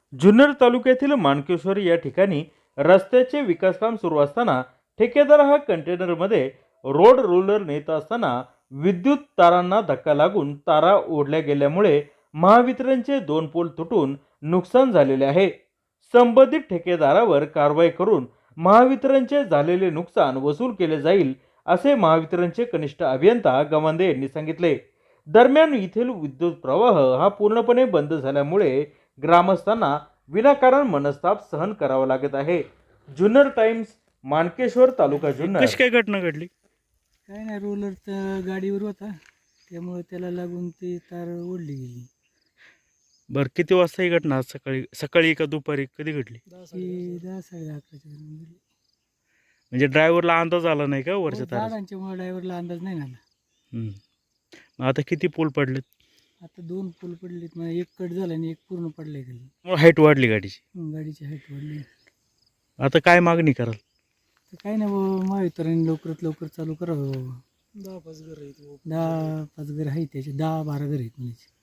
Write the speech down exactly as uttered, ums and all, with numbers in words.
जुन्नर तालुक्यातील माणकेश्वर या ठिकाणी रस्त्याचे विकासकाम सुरू असताना ठेकेदार हा कंटेनरमध्ये रोड रोलर नेत असताना विद्युत तारांना धक्का लागून तारा ओढल्या गेल्यामुळे महावितरणचे दोन पोल तुटून नुकसान झालेले आहे। संबंधित ठेकेदारावर कारवाई करून महावितरणचे झालेले नुकसान वसूल केले जाईल असे महावितरणचे कनिष्ठ अभियंता गवांदे यांनी सांगितले। दरम्यान येथील विद्युत प्रवाह हा पूर्णपणे बंद झाल्यामुळे ग्रामस्थांना विनाकारण मनस्ताप सहन करावा लागत आहे। जुन्नर टाइम्स, माणकेश्वर, तालुका जुन्नर। कशी काय घटना घडली? काय नाही, रोलर तर गाडीवर होता, त्यामुळे त्याला लागून ती तार ओढली गेली। बरं, किती वाजता ही घटना? आज सकाळी सकाळी का दुपारी कधी घडली? ती दहा साडे अकराच्या दरम्यान गेली। म्हणजे ड्रायव्हरला अंदाज आला नाही का वरच्या तारा? झाडांच्यामुळे ड्रायव्हरला अंदाज नाही आला। मग आता किती पोल पडलेत? आता दोन पूल पडलेत, मग एक कट झाला आणि एक पूर्ण पडलाय खाली। मग हाईट वाढली गाडीची। हं, गाडीची हाईट वाढली। आता काय मागणी कराल? तर काय नाही बाबा, महावितरण लवकरात लवकर चालू करावं बाबा। दहा पाच घर आहेत, दहा पाच घर आहेत, त्याचे दहा बारा घर आहेत म्हणायचे।